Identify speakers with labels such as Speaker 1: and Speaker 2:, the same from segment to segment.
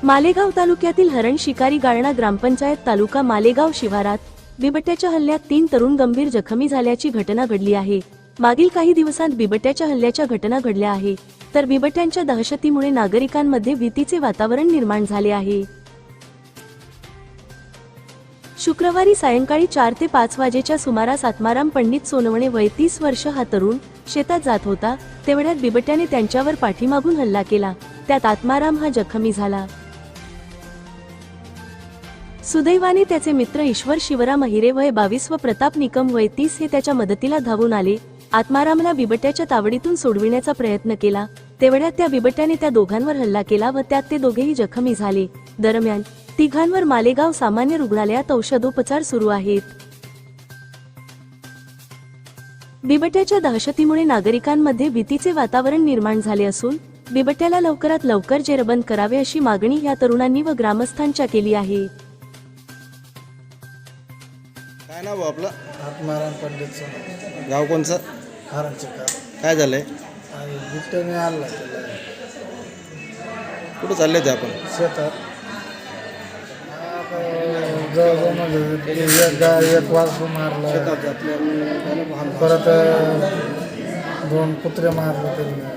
Speaker 1: मालेगाव तालुक्यातील हरण शिकारी गाळणा ग्रामपंचायत तालुका मालेगाव शिवारात बिबट्याच्या हल्ल्यात 3 तरुण गंभीर जखमी झाल्याची घटना घडली आहे। मागील काही दिवसांत बिबट्याच्या हल्ल्याच्या घटना घडल्या आहे, तर बिबट्यांच्या दहशतीमुळे नागरिकांमध्ये भीतीचे वातावरण निर्माण झाले आहे। शुक्रवारी सायंकाळी 4 ते 5 वाजेच्या सुमारास आत्माराम पंडित सोनवणे वय 30 वर्ष हा तरुण शेतात जात होता, तेवढ्यात बिबट्याने त्यांच्यावर पाठीमागून हल्ला केला। त्यात आत्माराम हा जखमी झाला। सुदैवाने त्याचे मित्र ईश्वर शिवराम अहिरे वय 22 व प्रताप निकम वय 30 हे त्याच्या मदतीला धावून आले। आत्मारामला बिबट्याच्या तावडीतून सोडविण्याचा प्रयत्न केला, तेवढ्यात त्या बिबट्याने त्या दोघांवर हल्ला केला व त्यात ते दोघेही जखमी झाले। दरम्यान तिघांवर मालेगाव सामान्य रुग्णालयात औषधोपचार सुरू आहेत। बिबट्याच्या दहशतीमुळे नागरिकांमध्ये भीतीचे वातावरण निर्माण झाले असून बिबट्याला लवकरात लवकर जेरबंद करावे अशी मागणी या तरुणांनी व ग्रामस्थांच्या केली आहे।
Speaker 2: काय नाव आपलं?
Speaker 3: आत्माराम पंडित सोनवणे,
Speaker 2: गाव कोणचं?
Speaker 3: हरण शिकार।
Speaker 2: काय झालंय?
Speaker 3: बिबट्याने आणला त्याला
Speaker 2: कुठं चालले ते आपण?
Speaker 3: शेतात। जवळजवळ म्हणजे एक वासरू मारला, परत 2 कुत्रे मारले त्यांनी।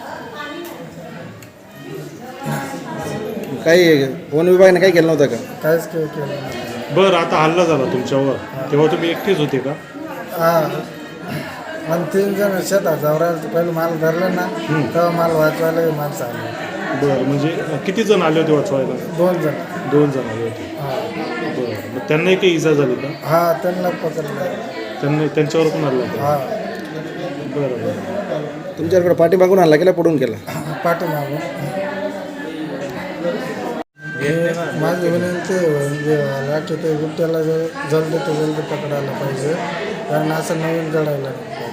Speaker 2: काही वन विभागाने काही केलं नव्हतं का?
Speaker 3: काहीच केलं नाही।
Speaker 4: बरं, आता हल्ला झाला तुमच्यावर, तेव्हा तुम्ही एकटेच होते का?
Speaker 3: हां, आणि 3 जण शेतात जावरायला पहिलं माल धरलं ना, तेव्हा माल वाचवायला माणसं आले।
Speaker 4: बरं, म्हणजे किती जण आले होते वाचवायला?
Speaker 3: 2 जण।
Speaker 4: 2 जण आले होते।
Speaker 3: हां
Speaker 4: बरं, मग त्यांनाही काही इजा झाली का?
Speaker 3: हां, त्यांना पकडलं।
Speaker 4: त्यांच्यावर पण हल्ला होता?
Speaker 3: हां।
Speaker 4: बरं बरं।
Speaker 2: तुमच्याकडे पाठीमागून हल्ला केला, पडून केला?
Speaker 3: पाठीमागून। माझी विनंती आहे की ते बिबट्याला जल्दी ते जल्दी पकडायला पाहिजे, कारण असं नवीन घडायला